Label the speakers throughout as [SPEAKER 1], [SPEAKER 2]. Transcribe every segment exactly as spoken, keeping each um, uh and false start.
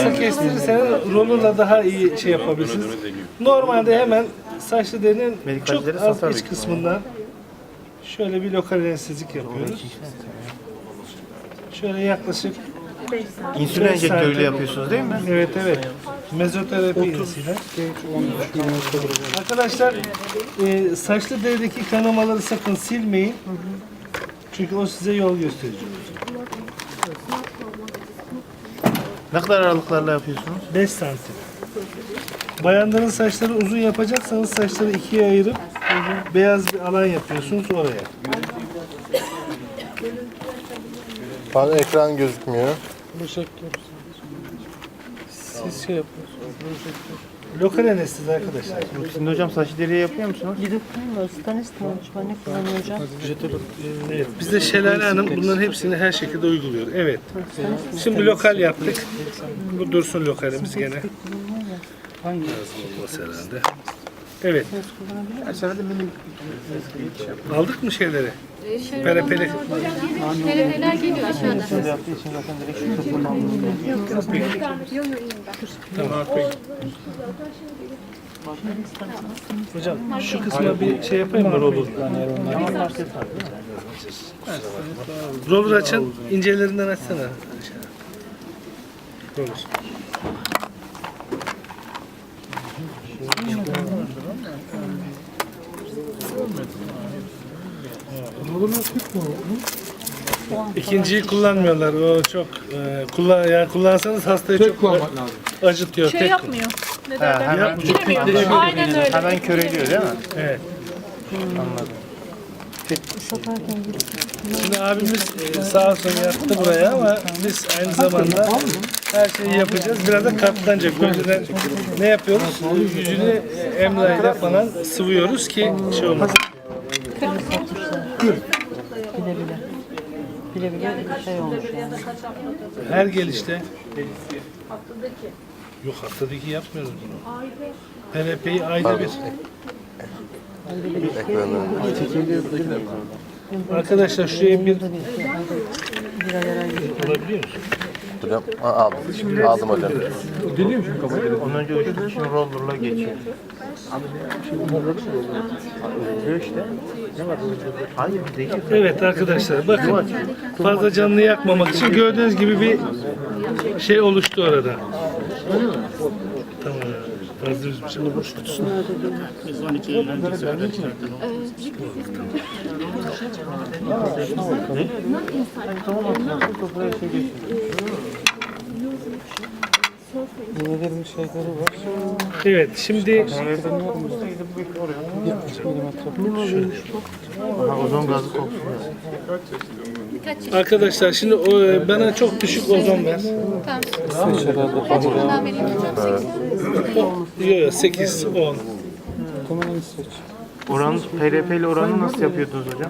[SPEAKER 1] kısa kestirirseniz rollerla daha iyi şey yapabilirsiniz. Normalde hemen saçlı derinin çok az iç kısmından şöyle bir lokal anestezlik yapıyoruz. Şöyle yaklaşık
[SPEAKER 2] İnsülin enjektörüyle yapıyorsunuz değil mi?
[SPEAKER 1] evet evet. Mezoterapi iğnesiyle. Arkadaşlar e, saçlı derideki kanamaları sakın silmeyin. Çünkü o size yol gösterici olacak.
[SPEAKER 2] Ne kadar aralıklarla yapıyorsunuz?
[SPEAKER 1] beş santim. Bayanların saçları uzun yapacaksanız saçları ikiye ayırıp beyaz bir alan yapıyorsunuz oraya.
[SPEAKER 3] Bana ekran gözükmüyor.
[SPEAKER 1] Siz şey yapıyorsunuz. Lokal anestezi arkadaşlar.
[SPEAKER 2] Şimdi hocam saç deriye yapıyor musunuz?
[SPEAKER 4] Ne kullanıyor hocam?
[SPEAKER 1] Evet, biz de Şelale Hanım bunların hepsini her şekilde uyguluyor. Evet. Şimdi lokal yaptık. Bu dursun lokalimiz gene. Lazım olması herhalde. Evet. Aldık mı şeyleri? Perepeli.
[SPEAKER 5] Neler geliyor aşağıda?
[SPEAKER 2] Şimdi yaptığı için zaten direkt şu kısmından
[SPEAKER 1] Tamam. Hocam şu kısma bir şey yapayım mı roller? Roller açın, incelerinden açsana. Roller. İkinciyi kullanmıyorlar. O çok e, kullan yani kullansanız hastayı çok acıtıyor.
[SPEAKER 5] Şey
[SPEAKER 1] Tek
[SPEAKER 5] yapmıyor. Ne
[SPEAKER 2] Ha,
[SPEAKER 5] derler?
[SPEAKER 2] hemen,
[SPEAKER 5] Girmiyor. Aynen öyle.
[SPEAKER 2] hemen köreliyor değil mi?
[SPEAKER 1] Evet.
[SPEAKER 2] Anladım.
[SPEAKER 1] Şimdi abimiz e, sağ olsun yattı buraya ama biz aynı zamanda her şeyi yapacağız. Biraz da katlanacak. Önceden ne yapıyoruz? Yüzünü e, emlayla falan sıvıyoruz ki şey olmasın.
[SPEAKER 4] Bile bile. Bile bile şey olmuş yani.
[SPEAKER 1] Her gelişte yok haftadaki yapmıyoruz bunu. P R P'yi ayda bir. Arkadaşlar şuraya bir olabiliyor musun?
[SPEAKER 3] Hocam ha, aldım. Aldım hocam.
[SPEAKER 2] Ondan önce uçtuğu için rollerla geçiyor. Oluyor işte. Hayır değil.
[SPEAKER 1] Evet arkadaşlar bakın fazla canını yakmamak için gördüğünüz gibi bir şey oluştu orada. Tamam. Fazla üzmüş ama boş kutusunu. Evet şimdi
[SPEAKER 2] Aha, ozon gazı koksun.
[SPEAKER 1] arkadaşlar şimdi o, bana çok düşük ozon ver.
[SPEAKER 5] Tamam. Kaç yılından vereyim hocam?
[SPEAKER 1] Yok yok sekiz on.
[SPEAKER 2] Oran, P R P ile oranı nasıl yapıyordunuz hocam?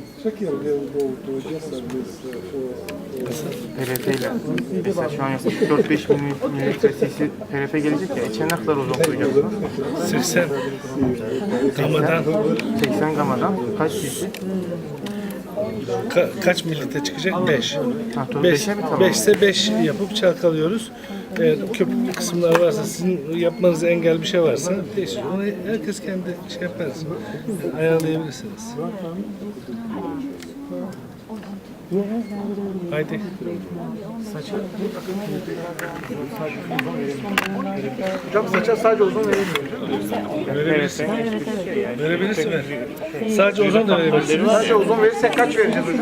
[SPEAKER 2] P R P ile. Mesela şu an yaklaşık dört beş mililitre cc P R P gelecek ya. İçine ne kadar ozon koyacaksınız?
[SPEAKER 1] seksen gamadan
[SPEAKER 2] seksen gamadan kaç cc?
[SPEAKER 1] ka- kaç mililitre çıkacak? beş.
[SPEAKER 2] Ha, toz
[SPEAKER 1] beş
[SPEAKER 2] beşe mi tamam?
[SPEAKER 1] beş ise beş yapıp çalkalıyoruz. Eğer köpüklü kısımlar varsa sizin yapmanıza engel bir şey varsa değişir. Onu herkes kendi şey yaparız. Ayarlayabilirsiniz. Haydi.
[SPEAKER 6] Hocam saça sadece uzun verilmiyor.
[SPEAKER 1] Verebilirsin. Verebilirsin. Ver. Sadece ozon da verebilirsin.
[SPEAKER 6] Sadece uzun verirsek kaç vereceğiz hocam?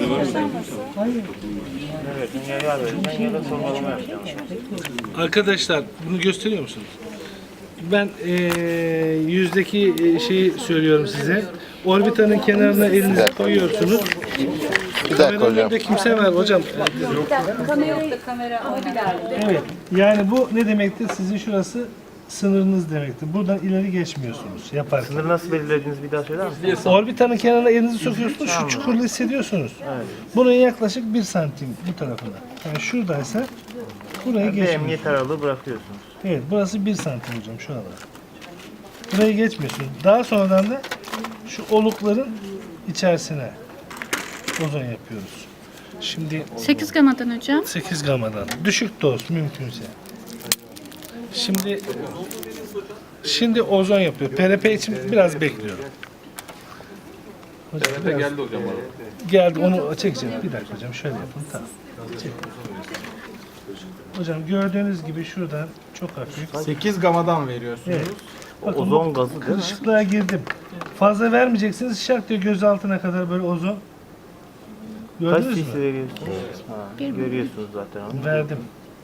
[SPEAKER 2] Evet, dünyaya vereceğim ya da sormalama yapacağım.
[SPEAKER 1] Arkadaşlar bunu gösteriyor musunuz? Ben eee yüzdeki eee, şeyi söylüyorum size. Orbitanın kenarına elinizi koyuyorsunuz.
[SPEAKER 3] Bir dakika
[SPEAKER 1] Kameranın
[SPEAKER 3] hocam.
[SPEAKER 1] önünde kimse var hocam.
[SPEAKER 5] Kamera yok da kamera o ileride.
[SPEAKER 1] Evet. Yani bu ne demektir? Sizin şurası sınırınız demektir. Buradan ileri geçmiyorsunuz yaparken.
[SPEAKER 2] Sınırı nasıl belirlediğinizi bir daha söyler misiniz?
[SPEAKER 1] Orbitanın kenarına elinizi sokuyorsunuz. Şu çukurlu hissediyorsunuz. Bunun yaklaşık bir santim bu tarafına. Yani şuradaysa buraya
[SPEAKER 2] Bir
[SPEAKER 1] geçmiyorsunuz.
[SPEAKER 2] emniyet aralığı bırakıyorsunuz.
[SPEAKER 1] Evet, burası bir santim hocam şu anda. Burayı geçmiyorsunuz. Daha sonradan da şu olukların içerisine ozon yapıyoruz. Şimdi
[SPEAKER 5] sekiz gamadan hocam.
[SPEAKER 1] sekiz gamadan. Düşük doz mümkünse. Şimdi şimdi ozon yapıyor. P R P için biraz bekliyorum. Hocam, biraz-
[SPEAKER 7] Geldi hocam bana.
[SPEAKER 1] Geldi onu çekeceğim. Bir dakika hocam şöyle yapın. Tamam. Çek. Hocam gördüğünüz gibi şuradan çok hafif.
[SPEAKER 6] sekiz gamadan veriyorsunuz.
[SPEAKER 1] Evet. Bakın
[SPEAKER 2] Ozon
[SPEAKER 1] bu
[SPEAKER 2] gazı değil mi?
[SPEAKER 1] kırışıklığa girdim. Fazla vermeyeceksiniz. Şak diye göz altına kadar böyle ozon.
[SPEAKER 2] Kaç
[SPEAKER 1] Gördünüz
[SPEAKER 2] cc
[SPEAKER 1] mü?
[SPEAKER 2] veriyorsunuz? Ha, görüyorsunuz zaten onu.
[SPEAKER 1] Verdim.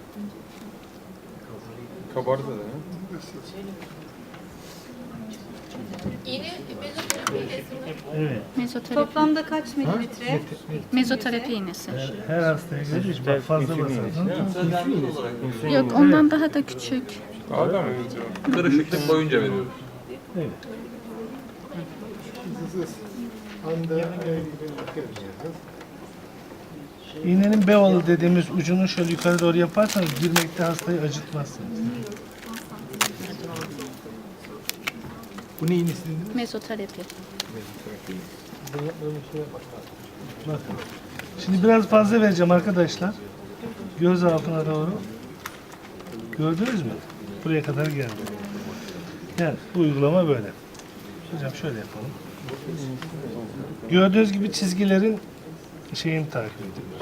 [SPEAKER 7] Kabardı da.
[SPEAKER 1] Evet.
[SPEAKER 5] Mezoterapi.
[SPEAKER 4] Toplamda kaç mililitre?
[SPEAKER 5] Mezoterapi iğnesi.
[SPEAKER 1] Her hastaya göre hiç bak fazla basarsanız.
[SPEAKER 5] Yok ondan daha da küçük.
[SPEAKER 7] Kahve mi? Kırışıklık boyunca veriyoruz.
[SPEAKER 1] Evet. İğnenin bevalı dediğimiz ucunu şöyle yukarı doğru yaparsanız girmekte hastayı acıtmazsınız.
[SPEAKER 6] Bu ne iğnesi dediniz?
[SPEAKER 5] Mezoterapi.
[SPEAKER 1] Bakın. Şimdi biraz fazla vereceğim arkadaşlar. Göz altına doğru. Gördünüz mü? Buraya kadar geldi. Yani bu uygulama böyle. Hocam şöyle yapalım. Gördüğünüz gibi çizgilerin şeyini takip ediyoruz.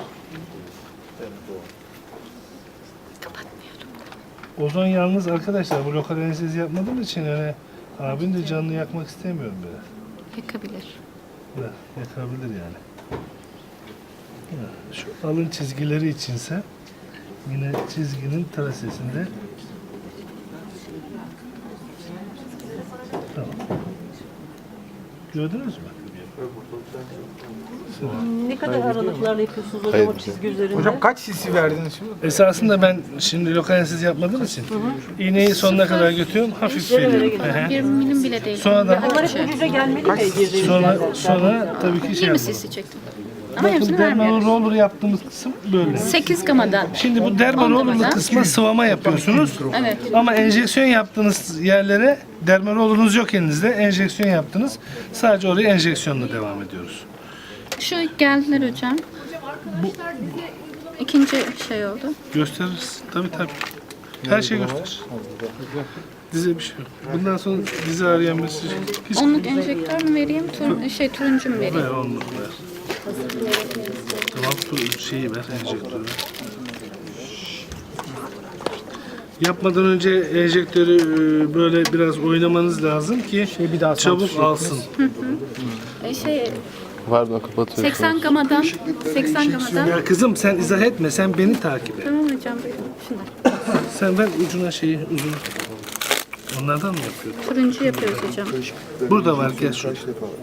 [SPEAKER 1] Ozon yalnız arkadaşlar bu lokal anestezi yapmadığım için öyle abin de canını yakmak istemiyorum böyle.
[SPEAKER 5] Yakabilir.
[SPEAKER 1] Ya, yakabilir yani. Ya, şu alın çizgileri içinse yine çizginin trasesinde tamam. Gördünüz mü?
[SPEAKER 4] Ne kadar aralıklarla yapıyorsunuz hocam
[SPEAKER 3] Hayır.
[SPEAKER 4] o çizgi üzerinde?
[SPEAKER 6] Hocam kaç cc verdiniz şimdi?
[SPEAKER 1] Esasında ben şimdi lokal anestezi yapmadığım için iğneyi sonuna kadar götürüyorum, hafif veriyorum. Hı hı.
[SPEAKER 5] Bir milim bile değil.
[SPEAKER 1] Sonra da
[SPEAKER 4] Bunlar hep ucuca gelmeli mi girdiğimiz
[SPEAKER 1] sonra
[SPEAKER 4] yerden?
[SPEAKER 1] sonra tabii ki şey
[SPEAKER 5] yirmi
[SPEAKER 1] yapalım.
[SPEAKER 5] cc çektim. Ama
[SPEAKER 1] Bakın
[SPEAKER 5] hepsini
[SPEAKER 1] dermal
[SPEAKER 5] vermiyoruz.
[SPEAKER 1] roller yaptığımız kısım böyle.
[SPEAKER 5] sekiz gamadan.
[SPEAKER 1] Şimdi bu dermal
[SPEAKER 5] On
[SPEAKER 1] rollerlı
[SPEAKER 5] gamadan.
[SPEAKER 1] kısma sıvama yapıyorsunuz.
[SPEAKER 5] Evet.
[SPEAKER 1] Ama enjeksiyon yaptığınız yerlere dermal rollerunuz yok elinizde. Enjeksiyon yaptınız. Sadece oraya enjeksiyonla devam ediyoruz.
[SPEAKER 5] Şu geldiler hocam. İkinci şey oldu.
[SPEAKER 1] Gösteririz. Tabii tabii. Her şeyi gösterir. Dize bir şey yok. Bundan sonra dizi arayan birisi hiç
[SPEAKER 5] Onluk enjektör mü vereyim, tur şey turuncu mu vereyim?
[SPEAKER 1] ver onluk ver. Tamam tur şeyi ver enjektörü. Yapmadan önce enjektörü e, böyle biraz oynamanız lazım ki
[SPEAKER 6] bir daha
[SPEAKER 1] çabuk alsın.
[SPEAKER 5] E, şey
[SPEAKER 3] Pardon kapatıyorum.
[SPEAKER 5] seksen gamadan, seksen gamadan.
[SPEAKER 1] Ya kızım sen izah etme, sen beni takip et.
[SPEAKER 5] Tamam hocam buyurun. Şunlar.
[SPEAKER 1] Sen ver ucuna şeyi, uzun. Onlardan mı yapıyorsun?
[SPEAKER 5] Turuncu yapıyoruz hocam.
[SPEAKER 1] Burada var, gel şu.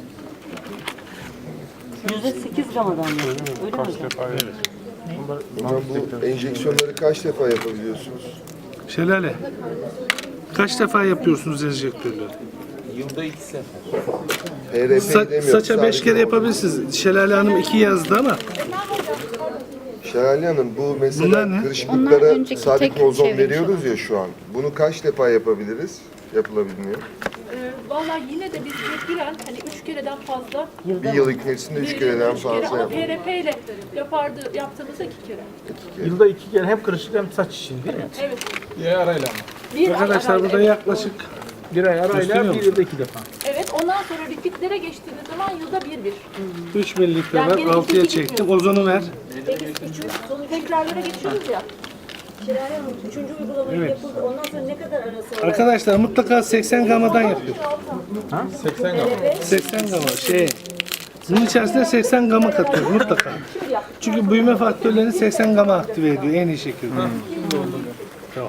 [SPEAKER 4] Yüzde sekiz gamadan mı? Öyle mi hocam?
[SPEAKER 8] Hocam bu enjeksiyonları kaç defa yapabiliyorsunuz?
[SPEAKER 1] Şelale. Kaç defa yapıyorsunuz enjektörleri?
[SPEAKER 8] P R P
[SPEAKER 1] Sa-
[SPEAKER 8] demiyorum.
[SPEAKER 1] saça beş kere yapabilirsiniz. Şelale Hanım iki yazdı ama
[SPEAKER 8] Şelale Hanım bu
[SPEAKER 1] Bunlar ne?
[SPEAKER 8] mesela
[SPEAKER 5] Onlar
[SPEAKER 8] kırışıklıklara
[SPEAKER 5] önceki
[SPEAKER 8] sadik
[SPEAKER 5] tek
[SPEAKER 8] ozon
[SPEAKER 5] çevirmiş
[SPEAKER 8] veriyoruz ya şu an. Bunu kaç defa yapabiliriz? Yapılabiliyor.
[SPEAKER 9] Valla yine de biz mecburen hani üç kereden fazla,
[SPEAKER 8] Bir yıl içerisinde üç kereden
[SPEAKER 9] üç kere
[SPEAKER 8] fazla
[SPEAKER 9] ama
[SPEAKER 8] yap.
[SPEAKER 9] P R P ile yapardı, yaptığımızda iki kere.
[SPEAKER 6] Yılda iki kere hem kırışık hem saç için değil mi?
[SPEAKER 9] Evet.
[SPEAKER 6] Bir ay arayla mı?
[SPEAKER 9] Bir ay
[SPEAKER 1] arkadaşlar
[SPEAKER 9] arayla,
[SPEAKER 1] burada
[SPEAKER 9] evet.
[SPEAKER 1] yaklaşık
[SPEAKER 6] Bir ay arayla
[SPEAKER 1] Gösteriyor
[SPEAKER 6] bir
[SPEAKER 1] mu?
[SPEAKER 6] yılda iki defa.
[SPEAKER 9] Evet, ondan sonra repeatlere geçtiğiniz zaman yılda bir bir.
[SPEAKER 1] üç mililitre
[SPEAKER 9] Yani
[SPEAKER 1] ver,
[SPEAKER 9] gene
[SPEAKER 1] altıya
[SPEAKER 9] ikinci
[SPEAKER 1] çektim. Ozonu ver.
[SPEAKER 9] Peki üçüncü, sonu tekrarlara geçiyoruz ya.
[SPEAKER 4] Üçüncü uygulamayı
[SPEAKER 1] Evet.
[SPEAKER 4] yapıldı. Ondan sonra ne kadar arası var?
[SPEAKER 1] Arkadaşlar mutlaka seksen gamadan yapıyor.
[SPEAKER 6] seksen gama.
[SPEAKER 1] seksen gama şey. Bunun içerisine seksen gama katıyoruz mutlaka. Çünkü büyüme faktörlerini seksen gama aktive ediyor en iyi şekilde. Tamam.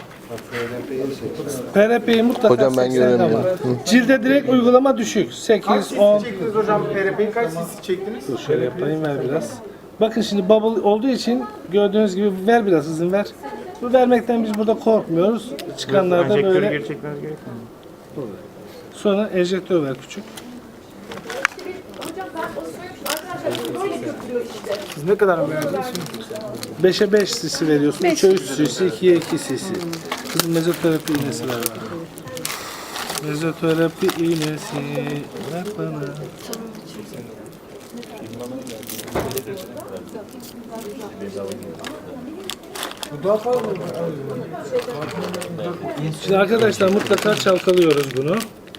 [SPEAKER 1] P R P'yi mutlaka
[SPEAKER 3] Hocam ben
[SPEAKER 1] seksen gama.
[SPEAKER 3] göremiyorum.
[SPEAKER 1] Cilde direkt uygulama düşük. sekiz, on.
[SPEAKER 6] Çektiniz hocam P R P'yi kaç cc çektiniz?
[SPEAKER 1] Dur şöyle yapayım ver biraz. Bakın şimdi bubble olduğu için gördüğünüz gibi ver biraz hızın ver. Bu vermekten biz burada korkmuyoruz. Çıkanlarda
[SPEAKER 2] Enjektörü
[SPEAKER 1] böyle.
[SPEAKER 2] geri çekmeniz gerekmiyor mu?
[SPEAKER 1] Sonra enjektör ver küçük.
[SPEAKER 9] Hocam ben onu söylemiştim. Arkadaşlar böyle götürüyor işte.
[SPEAKER 6] Siz ne kadar verdiniz şimdi?
[SPEAKER 1] beşe beş cc veriyorsun. üçe üç cc, ikiye iki cc. Kızım mezoterapi iğnesi ver bana. Mezoterapi iğnesi ver bana.
[SPEAKER 6] Bu daha fazla mı?
[SPEAKER 1] Şimdi arkadaşlar mutlaka çalkalıyoruz bunu.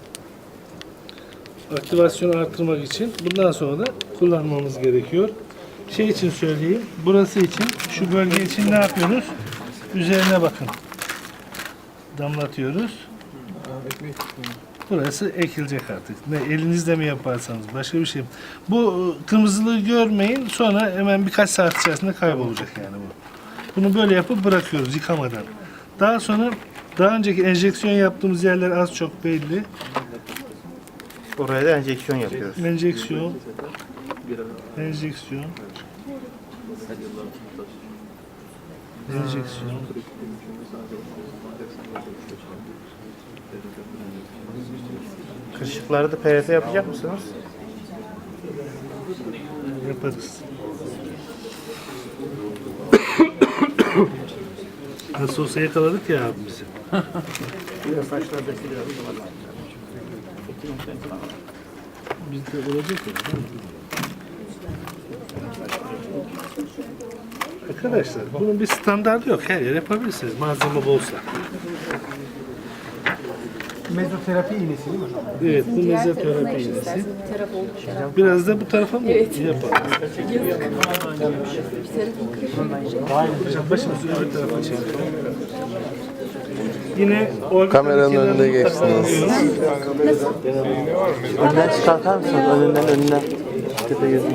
[SPEAKER 1] Aktivasyonu arttırmak için. Bundan sonra da kullanmamız gerekiyor. Şey için söyleyeyim. Burası için, şu bölge için ne yapıyoruz? Üzerine bakın. Damlatıyoruz. Burası ekilecek artık. Ne elinizle mi yaparsanız başka bir şey. Bu kırmızılığı görmeyin. Sonra hemen birkaç saat içerisinde kaybolacak yani bu. Bunu böyle yapıp bırakıyoruz yıkamadan. Daha sonra daha önceki enjeksiyon yaptığımız yerler az çok belli.
[SPEAKER 2] Oraya da enjeksiyon yapıyoruz.
[SPEAKER 1] Enjeksiyon. Enjeksiyon. Enjeksiyon.
[SPEAKER 2] Kırışıkları da P R P yapacak mısınız?
[SPEAKER 1] Yaparız. Nasıl olsa yakaladık ya abimizi. Bizde olacak ya. Arkadaşlar bunun bir standartı yok. Her yer yapabilirsiniz. Malzeme bolsa.
[SPEAKER 6] Mezoterapi iğnesi değil mi hocam?
[SPEAKER 1] Evet, bu mezoterapi iğnesi. Biraz da bu tarafa mı yapalım? Hocam başımızı öbür tarafa çekelim. Yine orbital
[SPEAKER 3] Kameranın
[SPEAKER 1] kenarını
[SPEAKER 3] önünde
[SPEAKER 1] mutlaka
[SPEAKER 3] geçtiniz.
[SPEAKER 1] alıyoruz.
[SPEAKER 2] Önden çıkartar mısınız? Önünden önünden. Tepe gözüm.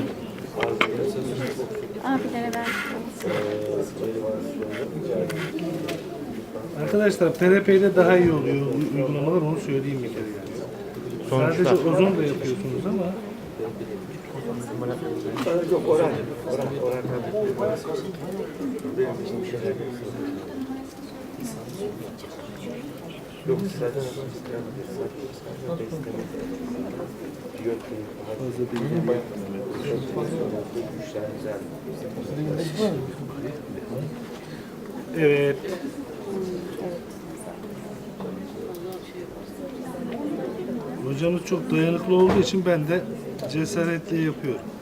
[SPEAKER 5] Abilere ver.
[SPEAKER 1] Arkadaşlar P R P'de daha iyi oluyor uygulamalar, onu söyleyeyim bir kere yani. Sadece ozon da yapıyorsunuz ama evet. Hocamız çok dayanıklı olduğu için ben de cesaretle yapıyorum.